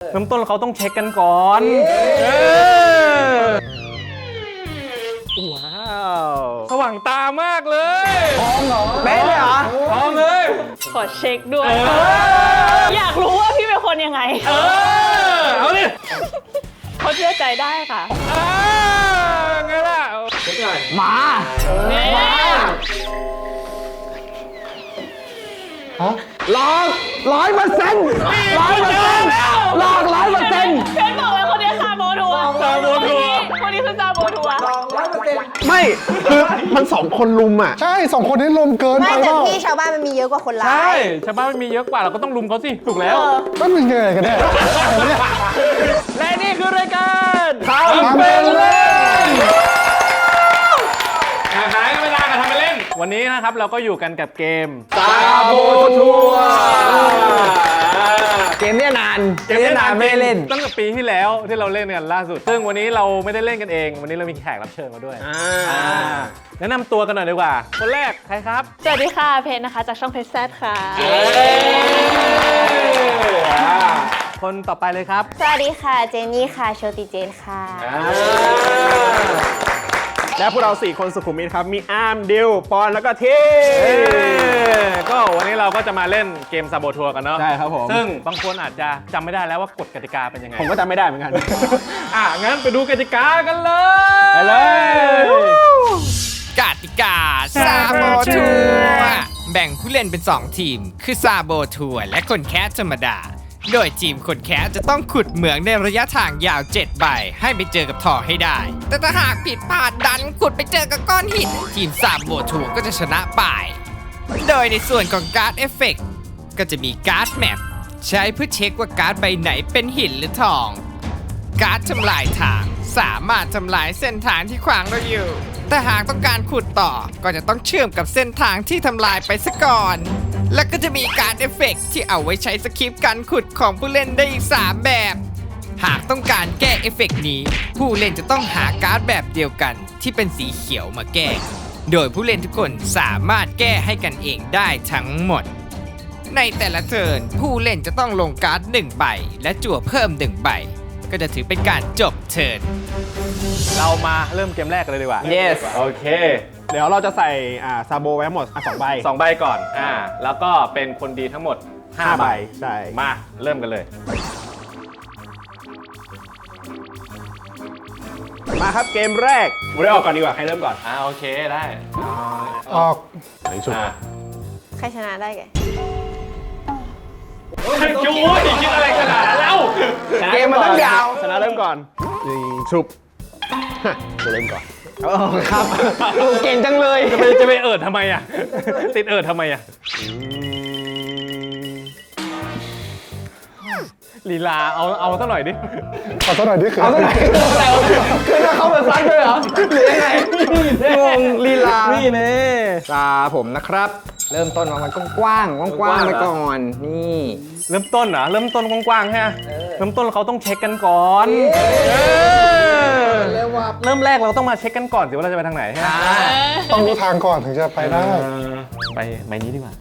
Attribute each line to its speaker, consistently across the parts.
Speaker 1: เริ่มต้นเขาต้องเช็คกันก่อนว้าวสว่างตามากเลยทองเหรอเป๊ะเลยเหรอทองเลย
Speaker 2: ขอเช็คด้วยอยากรู้ว่าพี่เป็นคนยังไง
Speaker 1: เอาดิ
Speaker 2: เขาเชื่อใจได้ค่ะ
Speaker 1: ไงล่ะเช็คหน่อยมาหลอก100%หลอก100%
Speaker 2: เชนบอกเลยคนนี้ซาโบทัวร์คนนี้คือซาโบทัวร์
Speaker 3: ไม่คือมัน2 คนลุมอ่ะ
Speaker 4: ใช่2 คนนี้ลุมเกินไป
Speaker 5: ไม่แต่พี่ชาวบ้านมันมีเยอะกว่าคนร้าย
Speaker 1: ใช่ชาวบ้านมันมีเยอะกว่าเราก็ต้องลุมเขาสิถูกแล้ว
Speaker 4: ก็มันยังไงกันแน่
Speaker 1: และนี่คือรายการ
Speaker 4: ทำเป็นเล่น
Speaker 1: หายเวลากันทำเป็นเล่นวันนี้นะครับเราก็อยู่กันกับเกมซาโบทัวร์
Speaker 3: เกมเนี้ยนานไม่เล่น
Speaker 1: ตั้งแต่ปีที่แล้วที่เราเล่นกันล่าสุดซึ่งวันนี้เราไม่ได้เล่นกันเองวันนี้เรามีแขกรับเชิญมาด้วยแนะนำตัวกันหน่อยดีกว่าคนแรกใครครับ
Speaker 2: สวัสดีค่ะเพชรนะคะจากช่องเพชรแซดค่ะ
Speaker 1: คนต่อไปเลยครับ
Speaker 5: สวัสดีค่ะเจนนี่ค่ะโชติเจนค่ะ
Speaker 3: และพวกเรา4 คนสุขุมวิทครับมีอาร์มดิวปอนแล้วก็ที
Speaker 1: ก็วันนี้เราก็จะมาเล่นเกมซาโบทัวร์กันเนาะ
Speaker 3: ใช่ครับผม
Speaker 1: ซึ่งบางคนอาจจะจำไม่ได้แล้วว่ากฎกติกาเป็นยังไง
Speaker 3: ผมก็จำไม่ได้เหมือนกัน
Speaker 1: งั้นไปดูกติกากันเลย
Speaker 3: ไปเลย
Speaker 6: กติกาซาโบทัวร์แบ่งผู้เล่นเป็น 2 ทีมคือซาโบทัวร์และคนแคสธรรมดาโดยทีมคนแคสจะต้องขุดเหมืองในระยะทางยาว7 ใบให้ไปเจอกับทองให้ได้แต่ถ้าหากผิดพลาดดันขุดไปเจอกับก้อนหินทีมซาโบทัวร์ก็จะชนะไปโดยในส่วนของการ์ดเอฟเฟกต์ก็จะมีการ์ดแมปใช้เพื่อเช็คว่าการ์ดใบไหนเป็นหินหรือทองการ์ดทำลายทางสามารถทำลายเส้นทางที่ขวางเราอยู่แต่หากต้องการขุดต่อก็จะต้องเชื่อมกับเส้นทางที่ทำลายไปซะก่อนและก็จะมีการเอฟเฟกต์ที่เอาไว้ใช้สคริปต์การขุดของผู้เล่นได้อีก3 แบบหากต้องการแก้เอฟเฟกต์นี้ผู้เล่นจะต้องหาการ์ดแบบเดียวกันที่เป็นสีเขียวมาแก้โดยผู้เล่นทุกคนสามารถแก้ให้กันเองได้ทั้งหมดในแต่ละเทิร์นผู้เล่นจะต้องลงการ์ด1 ใบและจั่วเพิ่ม1 ใบก็จะถือเป็นการจบเทิร์น
Speaker 1: เรามาเริ่มเกมแรกกันเลยดีกว่า
Speaker 3: yes
Speaker 1: โอเค
Speaker 3: เดี๋ยวเราจะใส่ซาโบไว้ทั้งหมด2 ใบ
Speaker 1: 2 ใบก่อนแล้วก็เป็นคนดีทั้งหมด5 ใบ
Speaker 3: ใช่
Speaker 1: มาเริ่มกันเลย
Speaker 3: มาครับเกมแรกผมได้ออกก่อนดีกว่าใครเริ่มก่อน
Speaker 1: โอเคได้
Speaker 4: ออก
Speaker 3: ไหนสุด
Speaker 5: ใครชนะได้แก
Speaker 1: จู๊ยคิดอะไรขนาดนั้นแล้ว
Speaker 3: เกมมันต้องยาวชนะเริ่มก่อนยิงชุบจะเริ่มก่อนครับเก่งจังเลย
Speaker 1: จะไปทำไมอ่ะติดทำไมอ่ะลีลาเอาสักหน่อยดิ
Speaker 4: เอาสักหน่อยดิคือ
Speaker 3: เอาสักหน่อยคือถ้าเข้ามาซัดด้วยเหรอหรือยังไงงงลีลา
Speaker 1: นี่เน่
Speaker 3: ตาผมนะครับเริ่มต้นมันกว้างไปก่อนนี่
Speaker 1: เริ่มต้นเหรอเริ่มต้นกว้างๆใช่ไหมเริ่มต้นเขาต้องเช็คกันก่อนเริ่มแรกเราต้องมาเช็คกันก่อนสิว่าเราจะไปทางไหน
Speaker 4: ต้องรู้ทางก่อนถึงจะไปได้
Speaker 1: ไปใบนี้ดีกว่า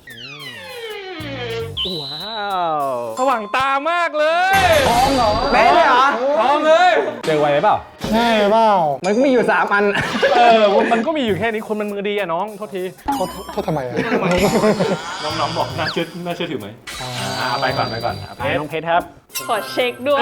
Speaker 1: ว้าวสว่างตามากเลย
Speaker 3: ทองเหรอเป๊ะเลยเหรอ
Speaker 1: ทองเลยเจอไวไหมเปล่า
Speaker 4: ใช่เปล่า
Speaker 3: มันก็มีอยู่3 อัน
Speaker 1: มันก็มีอยู่แค่นี้คนมันมือดีอะน้องโทษที
Speaker 4: โทษทำไมอะ
Speaker 1: น้องบอกน่าเชื่อถือไหมไปก่อน
Speaker 3: น้องเพชรครับ
Speaker 2: ขอเช็คด้วย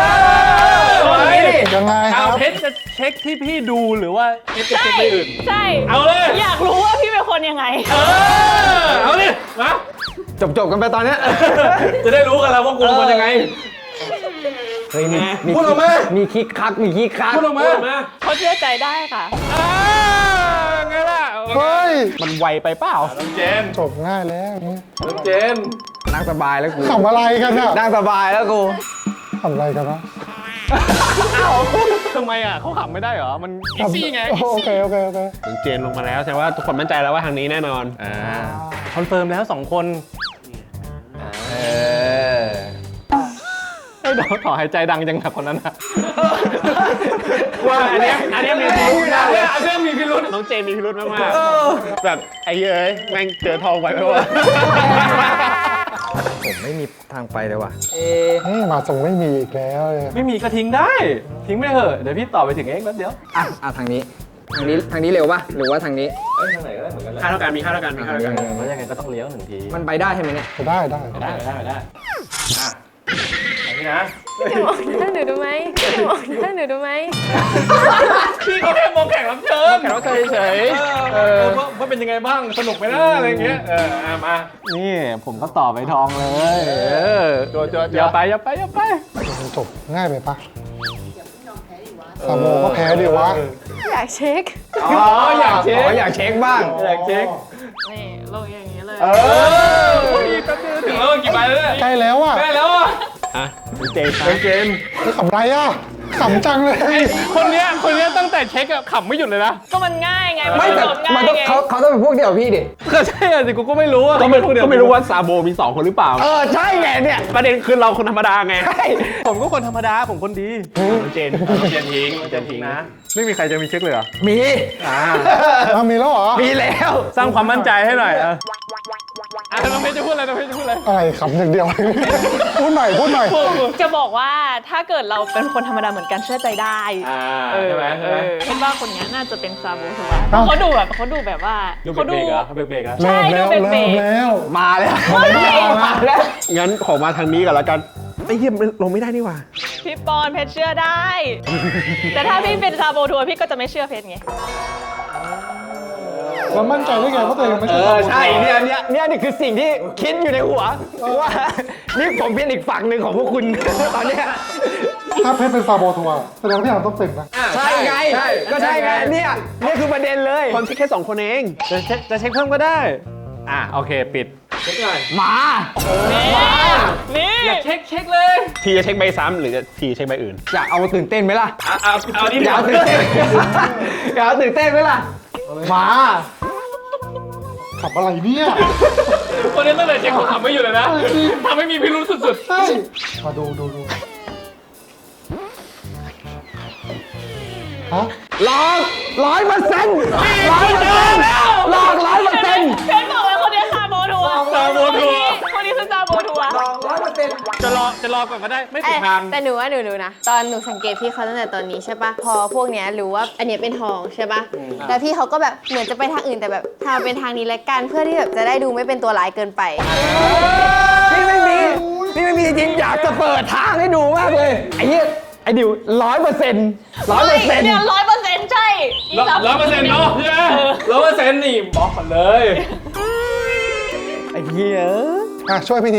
Speaker 4: ยังไงครับ
Speaker 1: เพชรจะเช็คที่พี่ดูหรือว่าเพชรจะเช็คที่อื่น
Speaker 2: ใช่
Speaker 1: เอาเลย
Speaker 2: อยากรู้ว่าพี่เป็นคนยังไง
Speaker 1: เอาดิมา
Speaker 3: จบกันไปตอนนี้
Speaker 1: จะได้รู้กันแล้วว่ากูเป็นคนยังไง
Speaker 3: เฮ้ยพูดออกมามีคิกคัก
Speaker 1: พูดออกมา
Speaker 2: เขาเชื่อใจได้ค่ะ
Speaker 1: ไงล่ะ
Speaker 4: เฮ้ย
Speaker 3: มันไวไปเปล่า
Speaker 1: น้องเจน
Speaker 4: จบง่ายแล้ว
Speaker 1: น้องเจน
Speaker 3: นั่งสบายแล้วกู
Speaker 4: ทำอะไรกันอะ
Speaker 3: นั่งสบายแล้วกู
Speaker 4: ทำอะไรกันวะ
Speaker 1: ทำไมอ่ะเขาขำไม่ได้เหรอมันอีซี่ไง
Speaker 4: โอเค
Speaker 3: น้องเจนลงมาแล้วแสดงว่าทุกคนมั่นใจแล้วว่าทางนี้แน่นอน
Speaker 1: คอนเฟิร์มแล้ว2 คนให้ดอกต่อหายใจดังจังกับคนนั้นนะ
Speaker 3: ว่าอันนี้มีพิรุธนะ
Speaker 1: เรื่องมีพิรุธ
Speaker 3: น้องเจนมีพิรุธมากๆแบบไอ้เอ้ยแม่งเจอทองไปไหมวะผมไม่มีทางไปเลยว่ะ
Speaker 4: มาส่งไม่มีอีกแล้วเลย
Speaker 1: ไม่มีก็ทิ้งได้ ทิ้งไปเถอะ เดี๋ยวพี่ต่อไปถึงเองแป๊บเดียว
Speaker 3: อ่ะทางนี้เร็วป่ะหรือว่าทางนี้
Speaker 1: ทางไหนก็ได้เหมือนกันแหละ
Speaker 3: ค่าเท่ากันมีค่าเท่ากัน
Speaker 1: แล้วยังไงก็ต้องเลี้ยวหนึ่งที
Speaker 3: มันไปได้ใช่ไหมเนี่ย
Speaker 4: ได้
Speaker 1: ได้อ่ะอันนี้นะ
Speaker 5: พี่มองหน้าหนูดูไหมพี่มองหน้าหนูดูไหม
Speaker 1: พี่เขาแค่มองแข่งรับเชิญ
Speaker 3: แขกรับเชิญเฉย
Speaker 1: ว่าเป็นยังไงบ้าง สนุกไหมนะอะไรเงี้ย มา นี่ผมก็ต่อไปทองเลยอย่าไป
Speaker 4: มันจบง่ายไปปะซาโมก็แพ้ดิวะ
Speaker 5: อยากเช็ค
Speaker 1: อยากเช็ค
Speaker 3: อยากเช็คบ้าง
Speaker 1: อยากเช็ค
Speaker 2: นี่ลงอย่างนี้เลย
Speaker 1: แป๊บเดียวถึงแล้วกี่ใบแล้วเนี่ย
Speaker 4: ใกล้แล้วอ่ะ
Speaker 1: ได้แล้วอ่ะ
Speaker 3: เจน
Speaker 4: นี่ขำไรอ่ะขำจังเลย
Speaker 1: คนเนี้ยตั้งแต่เช็คอะขำไม่หยุดเลยนะ
Speaker 2: ก็มันง่ายไง
Speaker 3: ไม่แต่
Speaker 2: จบง่า
Speaker 3: มัน
Speaker 2: ย
Speaker 3: ต้อง
Speaker 2: ไง
Speaker 3: เขาต้องเป็นพวกเดียวกับพี่ดิ
Speaker 1: ก็ใช่อะสิกูก็ไม่รู้อะ
Speaker 7: ก็ไม่รู้ว่าซาโบมี2คนหรือเปล่า
Speaker 3: ใช่ไงเนี่ย
Speaker 7: ประเด็นคือเราคนธรรมดาไง
Speaker 1: ผมก็คนธรรมดา ผมคนดี
Speaker 7: เจนทิ้ง
Speaker 1: นะ ไม่มีใครจะมีเช็คเลยเหรอ
Speaker 3: มี
Speaker 4: มีแล้วเหรอ
Speaker 3: มีแล้ว
Speaker 1: สร้างความมั่นใจให้หน่อยน้องเพชรจะพูดอะไร
Speaker 4: อะไรขำอย่างเดียว พูดหน่อย
Speaker 2: จะบอกว่าถ้าเกิดเราเป็นคนธรรมดาเหมือนกันเชื่อใจได้
Speaker 1: ใช่ไหม
Speaker 2: คิดว่าคนนี้น่าจะเป็นซาโบทัวร์เพราะเขาดูแบบว่า
Speaker 1: ดูเบ
Speaker 2: เขา
Speaker 1: รกๆเหรอเบรกๆเหรอ
Speaker 2: ใช่
Speaker 4: เริ่ม
Speaker 2: ดู
Speaker 4: แล้ว
Speaker 2: เบร
Speaker 4: เริ่
Speaker 2: ก
Speaker 4: มแล้ว
Speaker 3: มาแล้ว
Speaker 2: มาแล้ว
Speaker 7: งั้นขอมาทางนี้ก่อนแล้วกันไอ้เหี้ยมันลงไม่ได้นี่หว่า
Speaker 2: พี่ปอนเพชรเชื่อได้ แต่ถ้าพี่เป็นซาโบทัวร์พี่ก็จะไม่เชื่อเพชรไง
Speaker 4: แล้วมั่นใจได้ไงว่าตัวเองไม่ใช่ซาโม
Speaker 3: ใช่เนี่ยนี่คือสิ่งที่คิดอยู่ในหัวว่านี่ผมเป็นอีกฝั่งหนึ่งของพวกคุณ ตอนเนี้ย
Speaker 4: ถ้าเพชรเป็นซาโบทัวร์แสดงว่าพี่อาร์มต้องเป็นนะ
Speaker 3: ใช่ไงก็ใช่ไงเนี่ยคือประเด็นเลย
Speaker 7: คนแค่2คนเอง
Speaker 1: จะเช็คเพิ่มก็ได้ โอเค ปิด
Speaker 3: มา
Speaker 2: นี่
Speaker 1: เช็คเลย
Speaker 7: ทีจะเช็คใบซ้ำหรือทีเช็คใบอื่น
Speaker 3: อยากเอาตื่นเต้นไหมล่ะ
Speaker 7: เอานี่
Speaker 3: อยากเอาตื่นเต้นอยากเอาตื่นเต้นไหมล่ะมา
Speaker 4: ขับอะไรเนี่ย
Speaker 1: คนนี้ตั้งแต่เช็คเขาขำไม่อยู่เลยนะทำให้มีพิรุษสุด
Speaker 4: ใช่มาดูฮะ
Speaker 3: ลอง100%ลอง100%
Speaker 2: เพชรบอกว่าคนนี้ซาโบทัวร์คนนี้คือซาโบทัวร์
Speaker 1: ๆ จะรอก่อนก็ได้ ไม่ผิดทาง
Speaker 5: แต่หนูว่าหนูนะ ตอนหนูสังเกตพี่เขาตั้งแต่ตอนนี้ใช่ปะพอพวกเนี้ยรู้ว่าอันเนี้ยเป็นทองใช่ปะแล้วพี่เขาก็แบบเหมือนจะไปทางอื่นแต่แบบทำเป็นทางนี้ละกันเพื่อที่แบบจะได้ดูไม่เป็นตัวร้ายเกินไป
Speaker 3: นี่ไม่มีจริงๆอยากจะเปิดทางให้ดูมากเลยไอ้ดิว100%
Speaker 2: เนี่ย100%ใช่อีก3%
Speaker 1: 100%เนาะใช่ไหม100%นี่บอกก่อนเลย
Speaker 3: ไอ้เหี้ย
Speaker 4: ช่วยพี่ที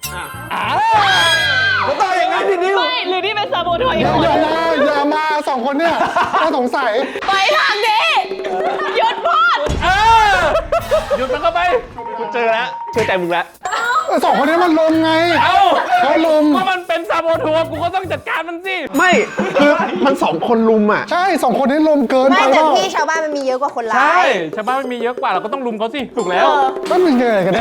Speaker 3: ก็ต้องอย่างนั้นดิดิว
Speaker 2: ไม่หรือนี่เป็นซาโบทัวร์อีกคน
Speaker 4: อย่ามาสองคนเนี่ยน่าสงสัย
Speaker 2: ไปทางนี้หยุดพูด
Speaker 1: หยุดมันเข้าไป
Speaker 7: กูเจอแล้วเชื่อใจมึงแล้ว
Speaker 4: สองคนนี้มันลมไง เขาลุม
Speaker 1: ก็มันเป็นซาโบทัวร์กูก็ต้องจัดการมันสิ
Speaker 7: ไม่คือมัน2คนลุมอ่ะ
Speaker 4: ใช่สองคนนี้ลมเกิน
Speaker 5: ไม่
Speaker 4: ไป
Speaker 5: แต่
Speaker 4: เปล่า
Speaker 5: พี่ชาวบ้านมันมีเยอะกว่าคนร้า
Speaker 1: ใช่
Speaker 5: ย
Speaker 1: ชาวบ้านมันมีเยอะกว่าเราก็ต้องลุมเขาสิ ถูกแล้ว
Speaker 4: นั่นเป็นยังไงกันแน่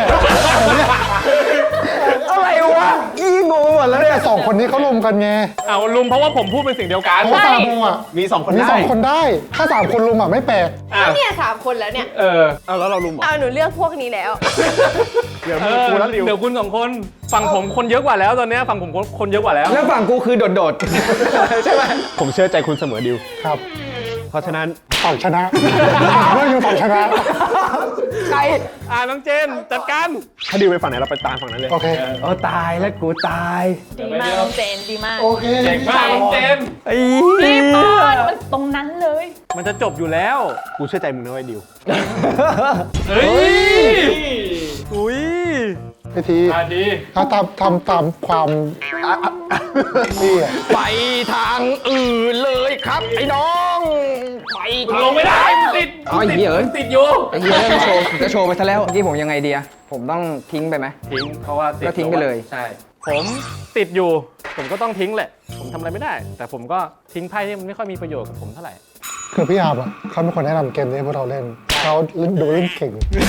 Speaker 3: อะไรวะอีงงหมดแล้วเนี่ย
Speaker 4: แต่สองคนนี้เขาลมกันไง
Speaker 1: เอาลุมเพราะว่าผมพูดเป็นสิ่งเดียวกัน
Speaker 4: เพราะว่าซาโบอ่ะ
Speaker 7: มี2คน
Speaker 4: มี
Speaker 7: ได้
Speaker 4: สองคนได้ ถ้าสามคนลุมอ่ะไม่แปลก
Speaker 5: เนี่ย3 คนแล้วเนี่ย
Speaker 7: เอาแล้วเราลุมเหรอ
Speaker 5: เอาหนูเลือกพวกนี้แล้ว
Speaker 7: เดี๋ยวมีกูแล้วดิว
Speaker 1: เดี๋ยวคุณ2 คน ฝั่งผมคนเยอะกว่าแล้วตอนเนี้ยฝั่งผมคนเยอะกว่าแล้ว
Speaker 3: แล้วฝั่งกูคือโดด
Speaker 7: ใช่ไหมผมเชื่อใจคุณเสมอดิว
Speaker 4: ครับ
Speaker 7: เพราะฉะนั้น
Speaker 4: ฝั่งชนะเรื่องอยู่ฝั่งชนะ
Speaker 3: ๆใคร
Speaker 1: น้องเจนจัดการ
Speaker 7: ถ้าดิวไปฝั่งไหนเราไปตามฝั่งนั้นเลย
Speaker 4: โอเค
Speaker 3: ตายแล้วกูตาย
Speaker 2: ดีมากน้องเจนดีมาก
Speaker 4: โอเค
Speaker 1: เก่งมากน้องเจน
Speaker 3: ไอ้
Speaker 2: พี่ปอนมันตรงนั้นเลย
Speaker 1: มันจะจบอยู่แล้ว
Speaker 7: กูเชื่อใจมึงนะไอ้ดิว
Speaker 1: เฮ้ย อุ้ย
Speaker 4: พี่ที
Speaker 1: ดี
Speaker 4: ถ้าทำตามความนี่อ่ะ
Speaker 3: ไปทางอื่นเลยครับไอ้น้องไปทาง
Speaker 1: ลงไม่ได้มันติด
Speaker 3: อ๋อไอ้เหี้ยเอ้ย
Speaker 1: ติดอยู่
Speaker 3: ไอ้เหี้ยจะโชว์ไปซะแล้วเมื่อกี้ผมยังไงดีอะผมต้องทิ้งไปไหม
Speaker 1: ทิ้งเพราะว่าติด
Speaker 3: ก็ทิ้งไปเลย
Speaker 1: ใช่ ผมติดอยู่ ผมก็ต้องทิ้งแหละ ผมทำอะไรไม่ได้ แต่ผมก็ทิ้งไพ่ที่มันไม่ค่อยมีประโยชน์กับผมเท่าไหร่
Speaker 4: คือพี่อาบอ่ะเขาเป็นคนแนะนำเกมนี้ให้พวกเราเล่นเขาดูเล่นเก่ง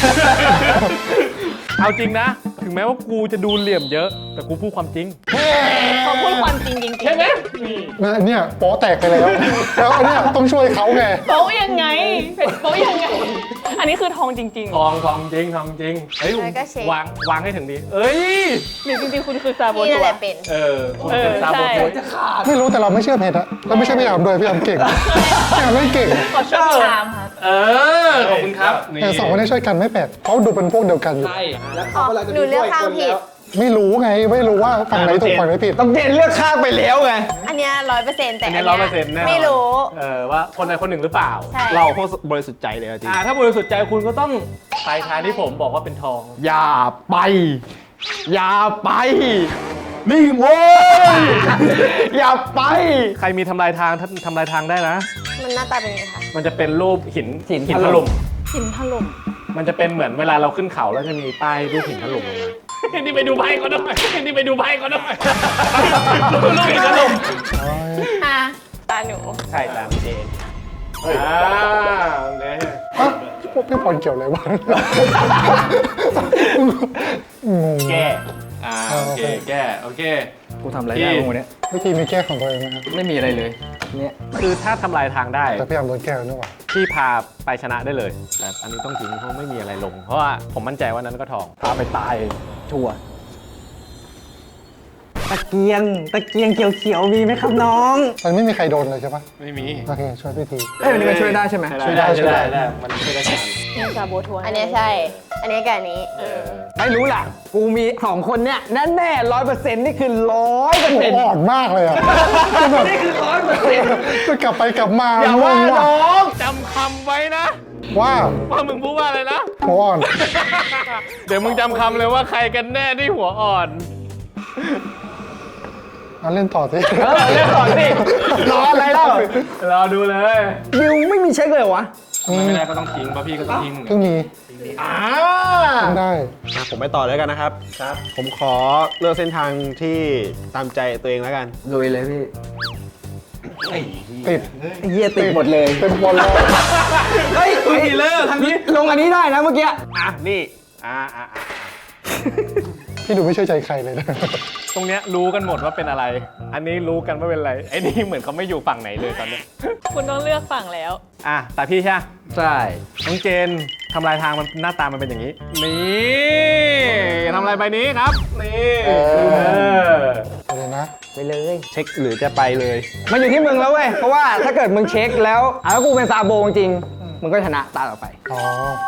Speaker 1: เอาจริงนะ ถึงแม้ว่ากูจะดูเหลี่ยมเยอะ แต่กูพูดความจริง
Speaker 2: เขาพูดความจริงจริง
Speaker 1: ใช่ไหม
Speaker 4: เนี่ยโป๊แตกไปแล้ว แล้วอันเนี้ยต้องช่วยเขาไง
Speaker 2: โป๊ะยังไงโป๊ะยังไง อันนี้คือทองจริง
Speaker 1: ทองจริงเฮ้ย
Speaker 5: แล้วก็เช็คว
Speaker 1: างให้ถึงดีเอ้ย
Speaker 2: ๆหรือจริงๆคุณคือซาโบ
Speaker 5: พี่นั่
Speaker 2: ทั
Speaker 5: น
Speaker 2: ว
Speaker 5: แหละเป็น
Speaker 1: คุณเป็นซาโบทัวร์
Speaker 4: ไม่รู้แต่เราไม่เชื่อเพชรอะแล้วไม่ใช่พี่อามด้วยพี่อามเก่งพี่อามเล่นเก่ง
Speaker 2: ขอช่วยชามค่ะ
Speaker 1: ขอบคุณครับนี่
Speaker 4: แต่สองคนนี้ช่วยกันไม่แปลกเขาดูเป็นพวกเดียวกันอยู่
Speaker 5: อ๋อหนูเลือกข้างผิด
Speaker 4: ไม่รู้ไงไม่รู้ว่าฝั่งไหนถูกฝั่งไหนผิด
Speaker 3: ต้องเจนเลือกข้างไปแล้วไง
Speaker 5: อันเนี้ย100%แต่
Speaker 1: อั
Speaker 5: อั
Speaker 1: น
Speaker 5: น
Speaker 1: นี้
Speaker 5: เนี้ย
Speaker 1: 100%แน่
Speaker 5: ไม่รู้
Speaker 1: ว่าคนใดคนหนึ่งหรือเปล่า
Speaker 5: ใช่
Speaker 3: เราโคตรบริสุทธิ์ใจเลยจริง
Speaker 1: ถ้าบริสุทธิ์ใจคุณก็ต้องไปทางที่ผมบอกว่าเป็นทอง
Speaker 3: อย่าไป อย่าไป นี่โว้ย อย่าไป
Speaker 1: ใครมีทำลายทางทำลายทางได้นะ
Speaker 5: มันหน้าตาเป็นยังไงคะ
Speaker 1: มันจะเป็นรูปหิน
Speaker 3: หิน
Speaker 1: ถ
Speaker 3: ถล่
Speaker 1: ล่ม
Speaker 3: ม
Speaker 2: หินถล่ม
Speaker 1: มันจะเป็นเหมือนเวลาเราขึ้นเขาแล้วจะมีป้ายรูปหินถล่มลงมานี่ไปดูไพ่เขาหน่อยนี่ไปดูไพ่เขาหน่อยรูปหินถล่ม
Speaker 5: อ่ะ
Speaker 2: ตาหนู
Speaker 1: ใช่ตามเจนโอเค
Speaker 4: ฮะพวกพี่บอลเกี่ยวอะไรวะงง
Speaker 1: แก้โอเคแก้โอเค
Speaker 3: กูทำอะไรได้บ้างวันนี้
Speaker 4: วิธีมีแก้ของตัวเองนะครับ
Speaker 3: ไม่มีอะไรเลย เนี่ย
Speaker 1: คือถ้าทำลายทางได้
Speaker 4: แต่พี่อามโดนแก้แล้วนี่หว่า
Speaker 1: พี่พาไปชนะได้เลย แต่อันนี้ต้องทิ้งเพราะไม่มีอะไรลง เพราะว่าผมมั่นใจว่านั้นก็ทองพาไปตาย
Speaker 3: ชัวร์ตะเกียงเขียวๆมีไหมครับน้อง
Speaker 4: มันไม่มีใครโดนเลยใช่ปะ
Speaker 1: ไม่มี
Speaker 4: โอเคช่วยพี่ที
Speaker 3: เอ้ยวันนี้มันช่วยได้ใช่ไหม
Speaker 4: ช่วยได้
Speaker 1: มันช่วยได้แค่นั้น
Speaker 2: นี่ซาโบทัวร์
Speaker 5: อันเนี้ยใช่ อันเนี้ยกับอันนี้
Speaker 3: ไม่รู้ล่ะ กูมี2คนเนี่ยแน่100%นี่คือ100%
Speaker 4: อ่อนมากเลยอ่ะนี่คือ100%จะกลับไปกลับมา
Speaker 1: อย่าว่า
Speaker 4: ว่ะ
Speaker 1: น้องจำคำไว้นะ
Speaker 4: ว่า
Speaker 1: ว่ามึงพูดว่าอะไรนะ
Speaker 4: หัวอ่อน
Speaker 1: เดี๋ยวมึงจำคำเลยว่าใครกันแน่ที่หัวอ่อน
Speaker 4: เอาเล่นต่อสิ
Speaker 3: เล่นก่อนสิรออะไรเล่าร
Speaker 1: อดูเลย
Speaker 3: บิวไม่มีเช็คเลยวะ
Speaker 1: ไม่ได้ก็ต้องทิ้งป่ะพี่ก็ต้องทิ้ง
Speaker 4: เพิ่งมีเพิ่งได้
Speaker 7: ผมไปต่อแล้วกันนะครับ
Speaker 1: ครับ
Speaker 7: ผมขอเลือกเส้นทางที่ตามใจตัวเองแล้วกัน
Speaker 3: ลุยเลยพี่
Speaker 4: ติด
Speaker 3: เฮียติดหมดเลย
Speaker 4: เป็นบอลเลย
Speaker 3: เฮ้ยทีเลอร์ทางนี้ลงอันนี้ได้นะเมื่อกี้
Speaker 7: นี่
Speaker 4: พี่ดูไม่เชื่อใจใครเลยนะ
Speaker 1: ตรงเนี้ยรู้กันหมดว่าเป็นอะไร อันนี้รู้กันว่าเป็นอะไร ไอ้นี่เหมือนเขาไม่อยู่ฝั่งไหนเลยตอนเนี้ย
Speaker 2: คุณต้องเลือกฝั่งแล้ว
Speaker 1: แต่พี่ใช่
Speaker 3: ใช่
Speaker 1: น้องเจนทำลายทางมันหน้าตามันเป็นอย่างนี้ นี่ทำลายใบนี้ครับ นี่
Speaker 4: เดี๋ยวนะ
Speaker 3: ไปเลย
Speaker 7: เช็คหรือจะไปเลย
Speaker 3: มันอยู่ที่มึงแล้วเว้ย เพราะว่าถ้าเกิดมึงเช็คแล้วแล้วกูเป็นซาโบจริงๆมึงก็ชนะตาต่อไป
Speaker 4: อ๋อ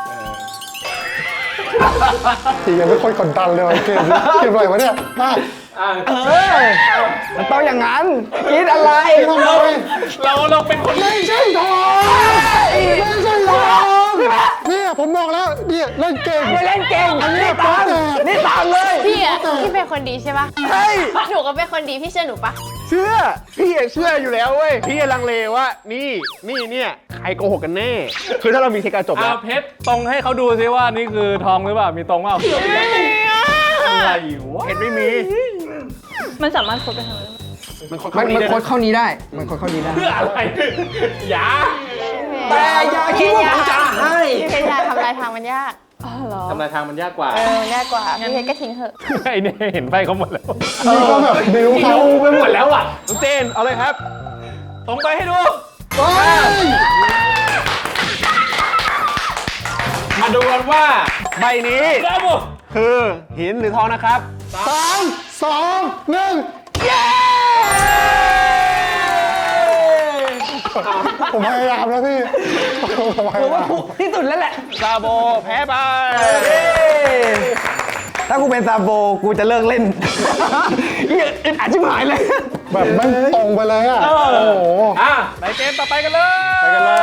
Speaker 4: ทียังไม่ค่อยกดดันเลยว่ะเกมอะไรวะเนี่ยมา
Speaker 3: มันต้องอย่างนั้นคิดอะไร
Speaker 4: ทำไม
Speaker 1: เราเป็นคน
Speaker 4: ไม่ใช่ทองไม่ใช่ทองเนี่ยผมบอกแล้วเนี่ยเล่นเก่ง
Speaker 3: ไม่เล่นเก่ง
Speaker 4: อันนี้
Speaker 3: นี่ตาม
Speaker 4: โป๊ะแตก
Speaker 3: นี่ตามเลย
Speaker 5: พี่อ่ะพี่เป็นคนดีใช่ปะ
Speaker 7: เฮ้ย
Speaker 5: หนูก็เป็นคนดีพี่เชื่อหนูปะ
Speaker 7: เชื่อ พี่เชื่ออยู่แล้วเว้ย พี่ลังเลว่า นี่เนี่ยใครโกหกกันแน่ คือถ้าเรามีเช็คการจบแล้ว
Speaker 1: เพชรตรงให้เขาดูซิว่านี่คือทองหรือเปล่า มีตรงเปล่าอะไรวะ
Speaker 7: เห็นไม่มี
Speaker 2: มันสามารถคบไปทางนั้น
Speaker 7: มันค่อน
Speaker 3: มั
Speaker 7: ข้านง
Speaker 3: มัน
Speaker 7: ดี
Speaker 3: โค้ดเข้านี้ได้ มันโค้ดเข้านี้ได้
Speaker 1: เพื่ออะไรอย่า
Speaker 3: แต่อย่าคิดว่าผมจะให้
Speaker 5: พี่เพชรอยากทำลายทางมันยาก
Speaker 2: อ๋อเหรอ
Speaker 1: ทำลายทางมันยากกว่า
Speaker 5: มันยากกว่า พี่เพชรก็ทิ้งเถอะ
Speaker 1: ไอ้นี่เห็นไฟเขาหมดแล้ว
Speaker 4: นี่ก็แบบบิวเขา
Speaker 1: ดูไปหมดแล้วอ่ะ
Speaker 7: น้องเจน เอาเลยครับ
Speaker 1: ตรงไปให้ดู
Speaker 4: เฮ้ย
Speaker 1: มาดูกันว่า
Speaker 7: ใบนี้
Speaker 1: ได้บุ
Speaker 7: คือหินหรือทองนะครับ
Speaker 4: 3 2 1เย้ผมพยายามแล้วพี่ผมพยายาม
Speaker 3: ที่สุดแล้วแหละ
Speaker 7: ซาโบแพ้ไป
Speaker 3: ถ้ากูเป็นซาโบกูจะเลิกเล่นเหี้ยอึดอัดชิบหายเลย
Speaker 4: แบบไม่ตรงไปเลยอ่ะ โอ้โห
Speaker 1: ไปเกมต่อไปกันเลย
Speaker 7: ไปกันเลย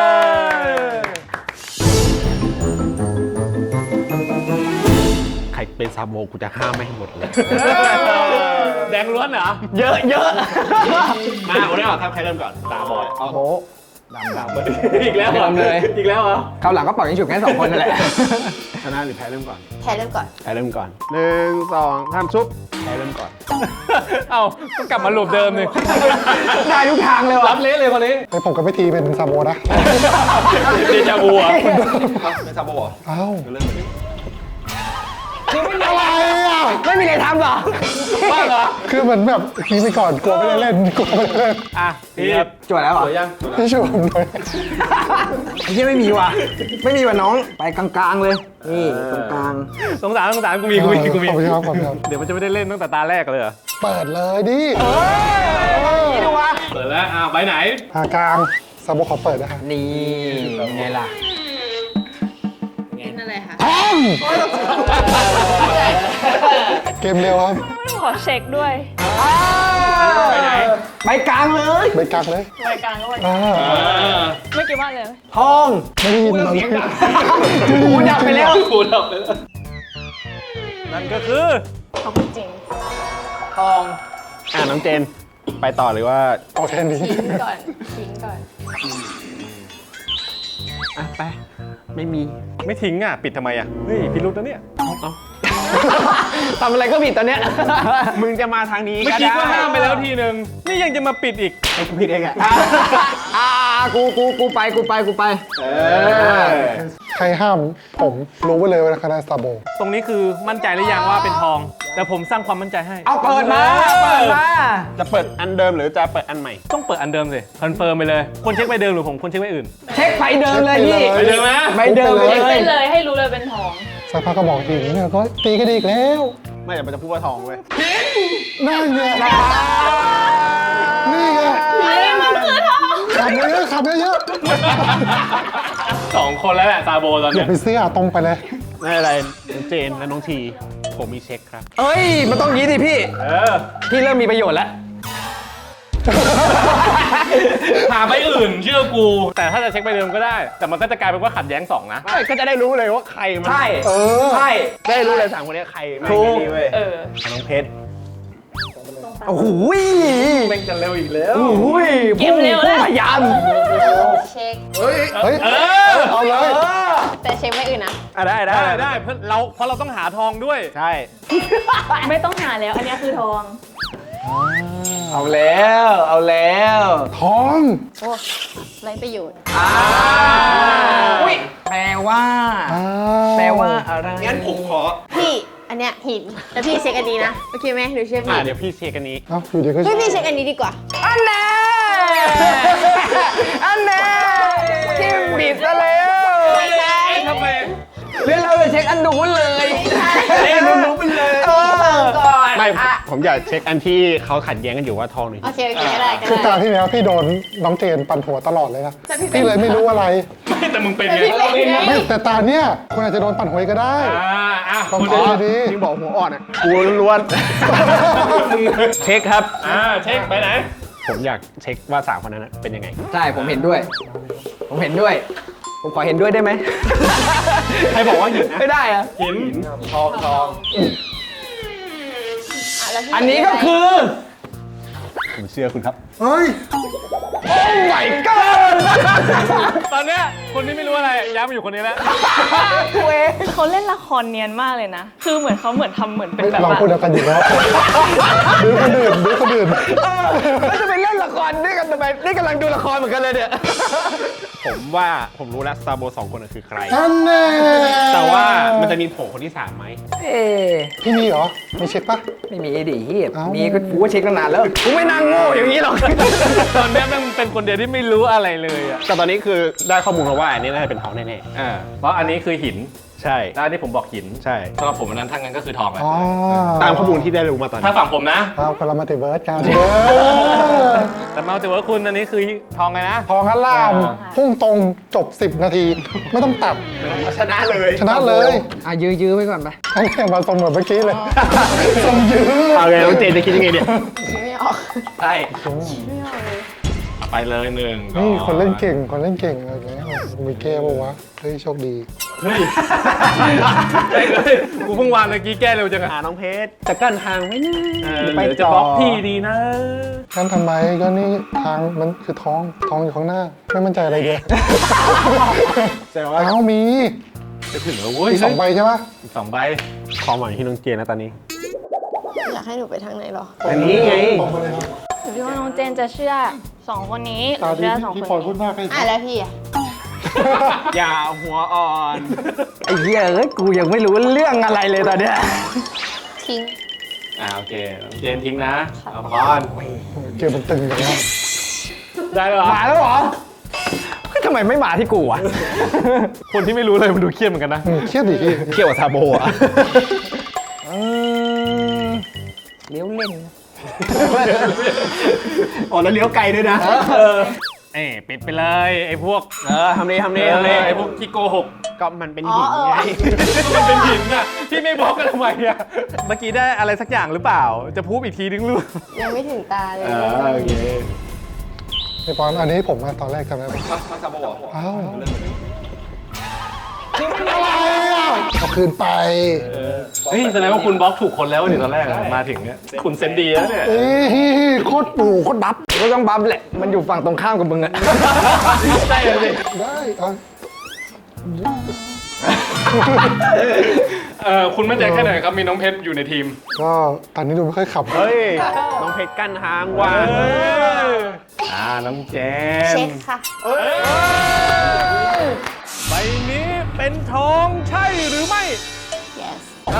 Speaker 7: ใครเป็นซาโบกูจะห้ามไม่ให้หมดเลย
Speaker 1: แดงล้วนเหรอ
Speaker 3: เยอะ
Speaker 7: มาเอาได้หรอครับใครเริ่มก่อนตาบอย
Speaker 3: โอ้โหดำ
Speaker 1: อีกแล้วเหรอ
Speaker 3: ดำเลย
Speaker 1: อีกแล้วเหรอ
Speaker 3: คราวหลังก็ปล่อยให้ฉุกแค่2คนนั่นแหละ
Speaker 7: ชนะหรือแพ้เริ่มก่อน
Speaker 5: แพ้เริ่มก่อน
Speaker 7: แพ้เริ่มก่อน1 2 3ชุบแพ้เริ่มก่อน
Speaker 1: เอ้าก็กลับมาหลบเดิมเลย
Speaker 3: ได้ทุกทางเลย
Speaker 1: รั
Speaker 3: ว่ะ
Speaker 1: บเละเลยคนนี้
Speaker 4: ไอผมกับพี่ทีเป็นซาโบนะ
Speaker 1: เดจาวูอ่ะ
Speaker 7: เป็นซาโบเหรอ
Speaker 4: เอ้า
Speaker 7: เริ่มเลย
Speaker 4: อะไรอ่ะ
Speaker 3: ไม่มีอะไรทำเหรอ
Speaker 1: บ้าเหรอ
Speaker 4: คือเหมือนแบบทีไปก่อนกลัวไม่ได้เล่นกลัวไม่ได้เล่น
Speaker 1: อ่ะพี่
Speaker 3: จวดแล้วเหรอ
Speaker 4: พี่ช่วยผมหน่อย
Speaker 3: ไอ้เหี้ยไม่มีว่ะ ไม่มีว่ะน้อง ไปกลางๆเลย นี่ตรงกลาง
Speaker 1: สงสารกูมี
Speaker 4: ขอบคุณครับขอบคุณครับ
Speaker 1: เดี๋ยวมันจะไม่ได้เล่นตั้งแต่ตาแรกเลยเหรอ
Speaker 4: เปิดเลยดิ
Speaker 3: นี่ดูวะ
Speaker 1: เปิดแล้วไปไหน
Speaker 4: หากลางซาโบขอเปิดนะครับ
Speaker 3: นี่ไงล่ะ
Speaker 5: เป็นอะไรคะ
Speaker 4: เกมเร็วครับ
Speaker 2: ขอเช็คด้วย
Speaker 1: ไปไหน
Speaker 3: ไปกลางเลย
Speaker 4: ไปกักเลย
Speaker 2: รายการก็วัน
Speaker 4: อ่า
Speaker 2: ไม่กี่วันเลย
Speaker 3: ทอง
Speaker 4: ไม่ได้ยินเรา
Speaker 3: หูดับไปแล้ว
Speaker 1: นั่นก็คือ
Speaker 2: เขาพูดจริง
Speaker 3: ทอง
Speaker 7: น้องเจน ไปต่อเลยว่า
Speaker 4: เอาแค่นี้
Speaker 2: ก่อนทิ้งก่อน
Speaker 7: ไป ไม่มี
Speaker 1: ไม่ทิ้งอ่ะ ปิดทำไมอ่ะ เฮ้ยพิรุธนะเนี่ย
Speaker 3: ทำอะไรก็ผิดตอนเนี้ย
Speaker 7: มึงจะมาทางนี้
Speaker 1: เมื่อกี้ก็ห้ามไปแล้วทีนึง นี่ยังจะมาปิดอีก
Speaker 7: ผิดเองอะ
Speaker 3: กูไป
Speaker 4: ใครห้ามผมรู้ไว้เลยว่าคะแนนซาโบ
Speaker 1: ตรงนี้คือมั่นใจหรือยังว่าเป็นทอง แต่ผมสร้างความมั่นใจให้
Speaker 3: เอาเปิดมา
Speaker 7: จะเปิดอันเดิมหรือจะเปิดอันใหม่
Speaker 1: ต้องเปิดอันเดิมสิคอนเฟิร์มไปเลย คนเช็คไปเดิมหรือผมคนเช็คไปอื่น
Speaker 3: เช็คไปเดิมเลยพี่
Speaker 1: ไปเดิมไหม
Speaker 3: ไปเดิมเลย
Speaker 2: ไปเลยให้รู้เลยเป็นทอง
Speaker 4: สักพักก็บอกหินเนี่ยก็ตีกันอีกแล้ว
Speaker 7: ไม่แต่มันจะพูดว่าทองเว้ย
Speaker 4: นั่นไงนี่ไง
Speaker 2: มันคือทอง
Speaker 4: ขับเยอะขับเยอะ
Speaker 1: สองคนแล้วแหละซาโบตอน
Speaker 4: อย่า
Speaker 1: เนี้ย
Speaker 4: ไปเสียตรงไปเลย
Speaker 7: ไม่อะไรน้องเจนและน้องที ผมมีเช็คครับ
Speaker 3: เอ้ย มันต้องงี้ดิพี่ พี่เริ่มมีประโยชน์แล้ว
Speaker 1: หาไปอื่นเชื่อกู แต่ถ้าจะเช็คไปเดิมก็ได้ แต่มันก็จะกลายเป็นว่าขัดแย้งสองนะ
Speaker 7: ไม่ก็จะได้รู้เลยว่าใครมัน
Speaker 3: ใช่
Speaker 4: เออ
Speaker 3: ใช่
Speaker 7: ได้รู้เลยสามคนนี้ใครแม่ง
Speaker 3: ถูก
Speaker 7: ดีเว้ย
Speaker 2: เออ
Speaker 7: น้องเพชร
Speaker 3: โอ้โห
Speaker 1: แม่งจะเร็วอีกแล้ว
Speaker 3: โอ้โห
Speaker 2: เก็บเร็วแล้ว
Speaker 3: พยายาม
Speaker 5: เช็ค
Speaker 4: เฮ้ย เอาเลย
Speaker 5: แต่เช็คไม่อื่นนะ
Speaker 7: ได้ได้
Speaker 1: ได้เพราะเราต้องหาทองด้วย
Speaker 7: ใช่
Speaker 2: ไม่ต้องหาแล้ว อันนี้คือทอง
Speaker 3: เอาแล้ว เอาแล้ว
Speaker 4: ทอง
Speaker 5: โอ้ไรประโยชน์
Speaker 3: อุ้ยแปลว่า
Speaker 4: อ่า
Speaker 3: แปลว่าอะไร
Speaker 7: งั้นผมขอ
Speaker 5: พี่ อันเนี้ยหิน แต่พี่เช็คอันนี้นะ โอเคไหมหนูเชื่อพี่
Speaker 7: เดี๋ยวพี่เช็คอันนี้
Speaker 4: เอ้าอยู่ดีก็
Speaker 5: เฮ้ยพี่เช็คอันนี้ดีกว่า
Speaker 3: อันแน่อันแน่ทิมบิดซะแล้ว
Speaker 5: ไม่ใช่
Speaker 1: ทำไม
Speaker 3: เรื่องเราจะเช็คอันนู้นเลย
Speaker 1: เอ๊ะรู้ไปเลย
Speaker 3: ก่อน
Speaker 7: ไม่ผมอยากเช็คอันที่เขาขัดแย้งกันอยู่ว่าทองหรือ
Speaker 5: โอเคโอเคก็ได้ก็
Speaker 4: คือตา
Speaker 5: ได้
Speaker 4: ที่แล้วพี่โดนน้องเจนปั่นหัวตลอดเลยนะพี่เลยไม่รู้อะไร
Speaker 1: ไม่แต่มึงเป็นไง
Speaker 4: ไม่แต่ตาเนี้ยคุณอาจจะโดนปั่นหัวก็ได้ ลอง
Speaker 7: อ๋
Speaker 4: เช็ค
Speaker 7: อ
Speaker 4: ดี
Speaker 7: ที่บอกหัวอ่อนอ่ะกูล้วนๆเช็คครับ
Speaker 1: เช็คไปไหน
Speaker 7: ผมอยากเช็คว่า3คนนั้นเป็นยังไง
Speaker 3: ใช่ ผมเห็นด้วย ผมเห็นด้วย ผมขอเห็นด้วยได้ไหม
Speaker 7: ใครบอกว่าหินนะ
Speaker 3: ไม่ได้อะ
Speaker 1: หินทอง
Speaker 5: แล้วพี่
Speaker 3: อันนี้ก็คือ
Speaker 7: ผมเชื่อคุณครับ
Speaker 4: เฮ้ย
Speaker 3: ไหวเกิน
Speaker 1: ตอนเนี้ยคนที่ไม่รู้อะไรย้ายมาอยู่คนนี้แล้ว
Speaker 2: เขาเล่นละครเนียนมากเลยนะ คือเหมือนเขาทำเหมือนเป็นแบบ
Speaker 4: เรา
Speaker 2: ว่า
Speaker 4: พูดเดียวกันอยู่แล้วดูคนอื่นดูคนอื่น
Speaker 3: แล้วจะไปเล่นละครด้วยกันทำไมนี่กำลังดูละครเหมือนกันเลยเนี่ย
Speaker 7: ผมว่าผมรู้แล้วซาโบ2คนนั้นคือใคร
Speaker 4: ท่านแน่
Speaker 7: แต่ว่ามันจะมีโผล่คนที่3ไหม
Speaker 3: เอ๊ะ
Speaker 4: พี่มีเหรอ มีเช็คปะ
Speaker 3: ไม่มีดิเฮีย
Speaker 4: เอ้ามี
Speaker 3: มีก็กูก็เช็คตั้งนานแล้ว กูไม่นั่งโง่อย่างนี้หรอก
Speaker 1: ตอนเนี้ยแม่งเป็นคนเดียวที่ไม่รู้อะไรเลยอ่ะ
Speaker 7: แต่ตอนนี้คือได้ข้อมูลมาว่าอันนี้น่าจะเป็นทองแน่
Speaker 1: เพราะอันนี้คือหิน
Speaker 7: ๆ ใช่
Speaker 1: แล้วอันนี้ผมบอกหิน
Speaker 7: ใช่
Speaker 1: สำหรับผมอันนั้นทั้งนั้นก็คือทองแหละ
Speaker 4: อ๋อ
Speaker 7: ตามข้อมูลที่ได้รู้มาตอน
Speaker 1: ถ้า
Speaker 7: นี้
Speaker 1: ฝั่งผมนะ
Speaker 4: เอาคนละมัลติเวิร์สกัน
Speaker 1: แต่มาถือว่าคุณอันนี้คือทองไงนะ
Speaker 4: ทองอัลลามพุ่งตรงจบ 10 นาที ไม่ต้องตัด
Speaker 7: ชนะเลย
Speaker 4: ชนะเลย
Speaker 3: อ่ะยื้อไว้ก่อนไป
Speaker 4: ทั้งแข่งมาสมเหมือนเมื่อกี้เลยสมยื้อ
Speaker 7: เอาเลยน้องเจนจะคิดยังไงเนี่ย
Speaker 5: ไม่ออก
Speaker 1: ใช่ไปเลยหนึ่ง
Speaker 4: นี่คนเล่นเก่งคนเล่นเก่งอะไรอย่างเงี้ยมีแก้ปะวะเฮ้ยโชคดี
Speaker 1: เฮ้ยกูเพิ่งวางเมื่อกี้แก้เร็วจังอะ
Speaker 7: น้องเพชรจะกั้นทางไว้นะ
Speaker 1: ไปจะบล็อกพี่ดีนะ
Speaker 4: นั่นทำไมก็นี่ทางมันคือทองอยู่ข้างหน้า ไม่มั่นใจอะไรเลย
Speaker 7: แต่ว่า
Speaker 4: เอ้ามี
Speaker 1: จะถึงแล้วเว้ย
Speaker 4: มี2 ใบใช่ปะ
Speaker 1: อีก2 ใบ
Speaker 7: ความหวังที่น้องเจนนะตอนนี้
Speaker 5: อยากให้หนูไปทางไหนหรอ
Speaker 7: อันนี้ไง
Speaker 4: บอกมาเลยครับ
Speaker 2: หนูคิดว่าน้องเจนจะเชื่อ2 คนนี้ห
Speaker 4: ตา
Speaker 2: รือ
Speaker 4: ดี
Speaker 2: เชื่อ2
Speaker 4: พี่
Speaker 2: คน
Speaker 4: พลอยพู
Speaker 2: นี้
Speaker 4: ดมากเลย
Speaker 5: อ่ะแล้วพี่อ่ะ
Speaker 7: อย่าหัวอ่อน
Speaker 3: ไอ้เหี้ยเอ้ย กูยังไม่รู้เรื่องอะไรเลยตอนเนี้ย
Speaker 5: ทิ้ง
Speaker 1: โอเคน้องเจนทิ้งนะเอาพร
Speaker 4: เกมมันตึงอย่างนี้
Speaker 1: ได้แล้วเหรอ
Speaker 3: มาแล้วเหรอเฮ้ยทำไมไม่มาที่กูอ่ะ
Speaker 1: คนที่ไม่รู้เลยมันดูเครียดเหมือนกันนะ
Speaker 4: เครียดดิพี่
Speaker 3: เกี่ยวกับซาโบอ่ะเลี้ยวเล่นอ๋อแล้วเลี้ยวไกลด้วยนะ
Speaker 1: ปิดไปเลยไอ้พวก
Speaker 3: ทำดี
Speaker 1: ไอ้พวกที่โกหก
Speaker 7: ก็มันเป็นหินไง
Speaker 1: มันเป็นหินน่ะที่ไม่บอกกันทำไมอ่ะเมื่อกี้ได้อะไรสักอย่างหรือเปล่า จะพูดอีกทีนึงหรือ
Speaker 5: ยังไม่ถึงตาเลย
Speaker 1: โอเค
Speaker 4: ไอ้ปอนอันนี้ผมมาตอนแรกจำได้ปะอ้าวเอาคืนไป
Speaker 1: เฮ้ยแสดงว่าคุณบล็อกถูกคนแล้วนี่ตอนแรกอะมาถึงเนี่ยคุณเซนดีแล้วเนี่ย
Speaker 4: เอ้ยโคตรปู่โคตรบัฟ
Speaker 3: ก็ต้องบัฟแหละ มันอยู่ฝั่งตรงข้ามกับมึงอะ
Speaker 1: ใช่เลยสิ
Speaker 4: ได้เอา
Speaker 1: คุณมั่นใจแค่ไหนครับมีน้องเพชรอยู่ในทีม
Speaker 4: ก็ตอนนี้ดูไม่ค่อยขับ
Speaker 7: เฮ้ย น้องเพชรกั้นทางว่ะ
Speaker 1: น้องเจน
Speaker 5: เช็คค่ะ
Speaker 1: ใบนี้เป็นทองใช่หรือไม่
Speaker 5: yes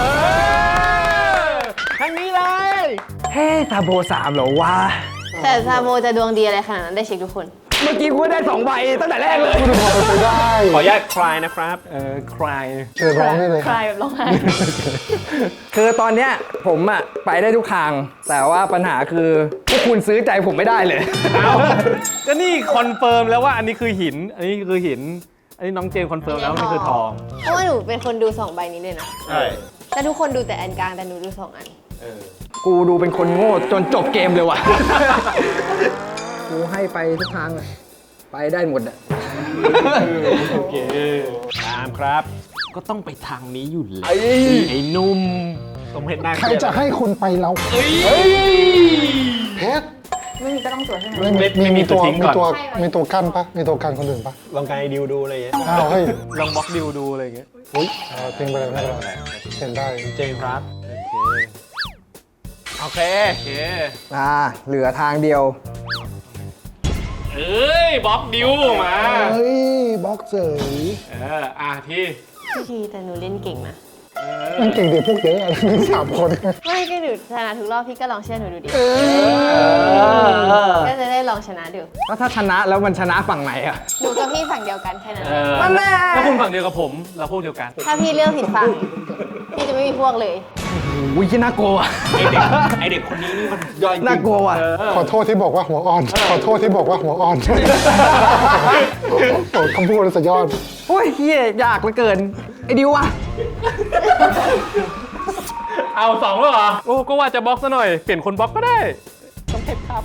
Speaker 7: ทางนี้เลย
Speaker 3: เฮ้ซาโบ3เหรอวะ
Speaker 5: แต่ซาโมจะดวงดีอะไรขนาดนั้นได้เช็คทุกคน
Speaker 3: เมื่อกี้กูได้2 ใบตั้งแต่แรกเลย
Speaker 4: พูดพอไปได้
Speaker 7: ขออนุญาตคลายนะครับ
Speaker 1: ใคร
Speaker 4: เชิญร้องได้เลย
Speaker 2: ใครแบบร้องไห้
Speaker 3: คือตอนเนี้ยผมอะไปได้ทุกทาง แต่ว่าปัญหาคือพวกคุณซื้อใจผมไม่ได้เลย
Speaker 1: ก็นี่คอนเฟิร์มแล้วว่าอันนี้คือหิน อันนี้คือหิน อันนี้น้องเจนคอนเฟิร์มแล้วว่านี่คือทอง
Speaker 5: เพราะว่าหนูเป็นคนดู2 ใบนี้เลยนะ
Speaker 1: ใช่
Speaker 5: แต่ทุกคนดูแต่อันกลางแต่หนูดู2 อัน
Speaker 3: กูดูเป็นคนโง่จนจบเกมเลยว่ะ กูให้ไปทุกทางอะไปได้หมดอะ
Speaker 1: โอเค
Speaker 7: ตามครับ
Speaker 1: ก็ต้องไปทางนี้อยู่แล้วไอ้นุ่ม
Speaker 7: ต้องเพชรได้
Speaker 4: ใครจะให้คุณไปเราเพชร
Speaker 2: ไม่มีก็ต้องตรวจใช่ไหม
Speaker 1: ไม่มีตัวทิ้งก่อน
Speaker 4: มีตัวกั้นปะมีตัวกั้นคนอื่นปะ
Speaker 7: ลองการดิวดูอะไรอย่างเงี้ย
Speaker 4: อ้าวเฮ้ย
Speaker 1: ลองบล็อกดิวดูอะไรอย่างเงี้ย
Speaker 4: อุ้ยเอาทิ้งไปเลยไม่เป็นไรเห็นได้
Speaker 7: เจนครับ
Speaker 1: โอเค โอเค
Speaker 3: เหลือทางเดียว
Speaker 1: เอ้ยบล็อกดิวมา
Speaker 4: เฮ้ยบล็อกเฉย
Speaker 1: พี่
Speaker 5: พี่ทีแต่หนูเล่นเก่งนะ
Speaker 4: มันเก่งเด็กพวกเยอะอะมี3 คน
Speaker 5: ไม่ก็หนูชนะทุกรอบพี่ก็ลองเชื่อหนูดูดิก็จะได้ลองชนะดู
Speaker 3: แล้วถ้าชนะแล้วมันชนะฝั่งไหนอะ
Speaker 5: หนูกับพี่ฝั่งเดียวกันแค่นั้น
Speaker 3: นั่นแหละ
Speaker 1: ถ้าคุณฝั่งเดียวกับผม เราพวกเดียวกัน
Speaker 5: ถ้าพี่เลือกผิดฝั่งพี่จะไม่มีพวกเลย
Speaker 3: อุ้ยน่ากลัวว่ะ
Speaker 7: ไอเด็กคนนี้นี่มันย่อยจริง
Speaker 3: น่ากลัวว่ะ
Speaker 4: ขอโทษที่บอกว่าหัวอ่อน ขอโทษที่บอกว่าหัวอ่อนโอ้คำพูดสุดยอด
Speaker 3: โอ้ยเฮียยากเหลือเกิน ไอ้ดิวอะ
Speaker 1: เอา2แล้วเหรอ โอ้ ก็ว่าจะบล็อกซะหน่อย เปลี่ยนคนบล็อกก็ได้ ต้องเพชรครับ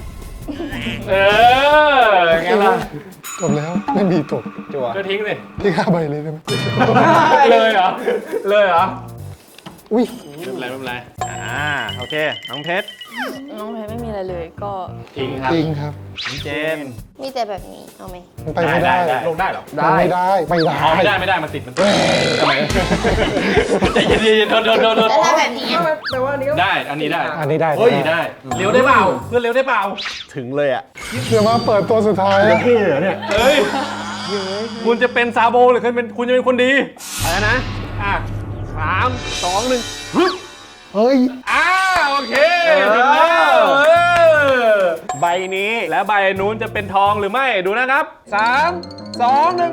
Speaker 1: ไงล่ะ
Speaker 4: จบแล้วไม่มีตก
Speaker 1: ก็ทิ้งสิ
Speaker 4: ที่5 ใบเลยได้ไหม
Speaker 1: เลยเหรอ เลยเหรอ
Speaker 4: อุ้ย
Speaker 1: ไม่เป็นไรโอเค น้องเพชร
Speaker 2: น้องเพชรไม่มีอะไรเลยก็
Speaker 1: ทิ้งครับ
Speaker 4: จริงครับ
Speaker 1: น้องเจน
Speaker 5: มีแต่แบบนี้เอาไหม
Speaker 4: มันไปไม่ได้
Speaker 1: ลงได้เหรอ
Speaker 4: มันไม่ได้ไม่ได้
Speaker 1: อ๋อไม่ได้มันติดทำไมใจเย็นๆโดน
Speaker 5: แล้วถ้าแบบนี้อะ
Speaker 1: ได้ อันนี้ได้
Speaker 4: อันนี้ได้
Speaker 1: เฮ้ยได้ เร็วได้เปล่า เพื่อนเร็วได้เปล่า
Speaker 7: ถึงเลยอ่ะ
Speaker 4: เดี๋ยวมาเปิดตัวสุดท้าย
Speaker 7: พี่เหรอเนี่ย
Speaker 1: เฮ้ย คุณจะเป็นซาโบหรือคุณจะเป็นคนดีอะไรนะ 3, 2, 1ฮึบ
Speaker 4: เฮ้ย
Speaker 1: โอเคถึงแล้ว
Speaker 7: ใบนี้
Speaker 1: แล้วใบนู้นจะเป็นทองหรือไม่ดูนะครับ 3, 2, 1ฮึบ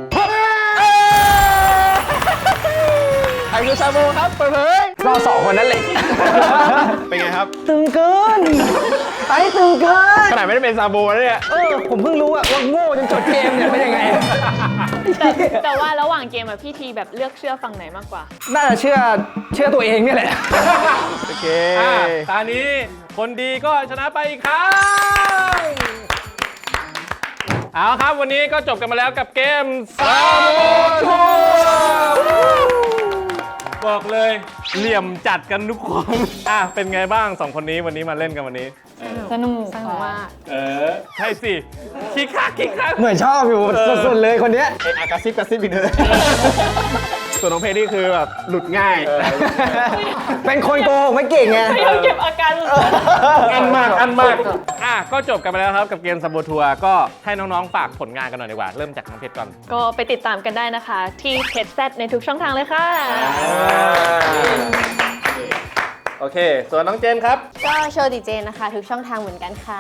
Speaker 7: ใครคือซาโบครับเปิดเผย
Speaker 3: เรา2 คนนั้นเลย
Speaker 7: เป็นไงครับ
Speaker 3: ตึงเกินไปตึงเกิน
Speaker 7: ขนาดไม่ได้เป็นซาโบนะเนี่ย
Speaker 3: ผมเพิ่งรู้ว่าโง่จนจบเกมเนี่ยเป็นยังไง
Speaker 2: แต่ว่าระหว่างเกมอะพี่ทีแบบเลือกเชื่อฝั่งไหนมากกว่า
Speaker 3: น่าจะเชื่อตัวเองเนี่ยแหละ
Speaker 7: โอเค
Speaker 1: ตอนนี้คนดีก็ชนะไปอีกครั้งเอาครับวันนี้ก็จบกันมาแล้วกับเกมซาโบทัวร์บอกเลยเหลี่ยมจัดกันทุกคนเป็นไงบ้าง2 คนนี้วันนี้มาเล่นกันวันนี้
Speaker 2: สนุก
Speaker 5: สนุกมาก
Speaker 1: ใช่สิคิกคัก
Speaker 3: เหมือนชอบอยู่สุดๆเลยคนเนี้ย
Speaker 7: กระซิบอีกเลยส่วนน้องเพชรนี่คือแบบหลุดง่าย
Speaker 3: เป็นคนโกหกไม่เก่งไง
Speaker 2: พยายามเก็บอาการ
Speaker 1: อันมากก็จบกันไปแล้วครับกับเกมซาโบทัวร์ก็ให้น้องๆฝากผลงานกันหน่อยดีกว่าเริ่มจากน้องเพชรก่อน
Speaker 2: ก็ไปติดตามกันได้นะคะ ที่เพจแซดในทุกช่องทางเลยค่ะ
Speaker 1: โอเค ส่วนน้องเจนครับ
Speaker 5: ก็โชว์ดีเจนะคะ ทุกช่องทางเหมือนกันค่ะ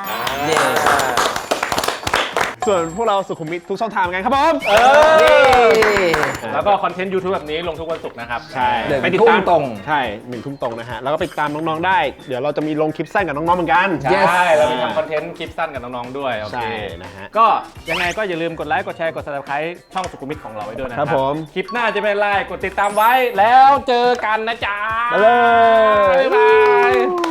Speaker 7: ส่วนพวกเราสุขุมวิททุกช่องทางเหมือนกันครับผม
Speaker 1: แล้วก็คอนเทนต์ YouTube แบบนี้ลงทุกวันศุกร์นะครับ
Speaker 7: ใช่
Speaker 3: ไปติดตามตรง
Speaker 7: ใช่1 ทุ่มตรงนะฮะ แล้วก็ไปติดตามน้องๆได้ เดี๋ยวเราจะมีลงคลิปสั้นกับน้องๆเหมือนกัน
Speaker 1: ใช่เรามีทำคอนเทนต์คลิปสั้นกับน้องๆด้วย โอเค
Speaker 7: ใช่นะฮะ
Speaker 1: ก็ยังไงก็อย่าลืมกดไลค์ กดแชร์ กด subscribe ช่องสุขุมวิทของเราไว้ด้วยนะค
Speaker 7: ครั
Speaker 1: รับบ
Speaker 7: ผม
Speaker 1: คลิปหน้าจะเป็นอะไร กดติดตามไว้ แล้วเจอกันนะจ๊ะ
Speaker 7: ไปเลย
Speaker 1: บ๊ายบาย